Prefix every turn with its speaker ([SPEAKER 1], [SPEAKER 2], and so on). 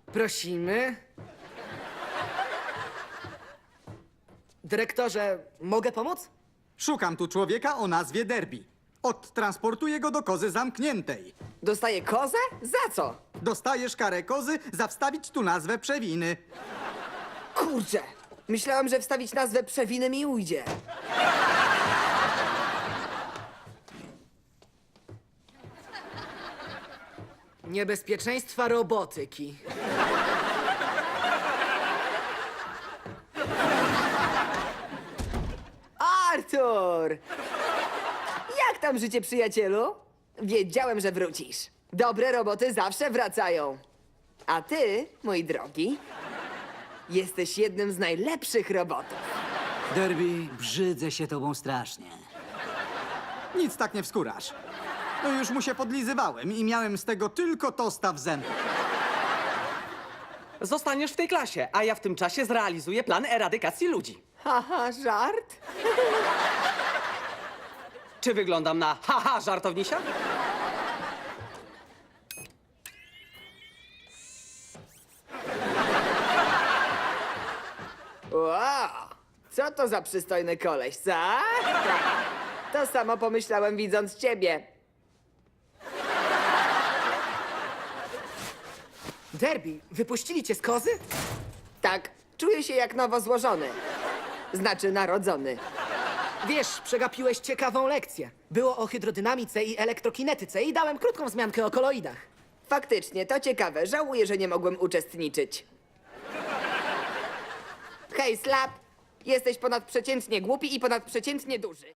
[SPEAKER 1] Prosimy. Dyrektorze, mogę pomóc?
[SPEAKER 2] Szukam tu człowieka o nazwie Derby. Odtransportuję go do kozy zamkniętej.
[SPEAKER 3] Dostaję kozę? Za co?
[SPEAKER 2] Dostajesz karę kozy za wstawić tu nazwę przewiny.
[SPEAKER 3] Kurczę! Myślałam, że wstawić nazwę przewiny mi ujdzie.
[SPEAKER 1] Niebezpieczeństwa robotyki.
[SPEAKER 3] Artur! Jak tam życie, przyjacielu? Wiedziałem, że wrócisz. Dobre roboty zawsze wracają. A ty, mój drogi, jesteś jednym z najlepszych robotów.
[SPEAKER 4] Derby, brzydzę się tobą strasznie.
[SPEAKER 2] Nic tak nie wskórasz. No już mu się podlizywałem i miałem z tego tylko tosta w zębach.
[SPEAKER 5] Zostaniesz w tej klasie, a ja w tym czasie zrealizuję plan eradykacji ludzi.
[SPEAKER 3] Haha, żart?
[SPEAKER 5] Czy wyglądam na haha żartownisia?
[SPEAKER 3] Wow! Co to za przystojny koleś, co? To samo pomyślałem, widząc ciebie.
[SPEAKER 1] Derby, wypuścili cię z kozy?
[SPEAKER 3] Tak, czuję się jak nowo złożony. Znaczy narodzony.
[SPEAKER 1] Wiesz, przegapiłeś ciekawą lekcję. Było o hydrodynamice i elektrokinetyce i dałem krótką wzmiankę o koloidach.
[SPEAKER 3] Faktycznie, to ciekawe. Żałuję, że nie mogłem uczestniczyć. Hej, Slap! Jesteś ponadprzeciętnie głupi i ponadprzeciętnie duży.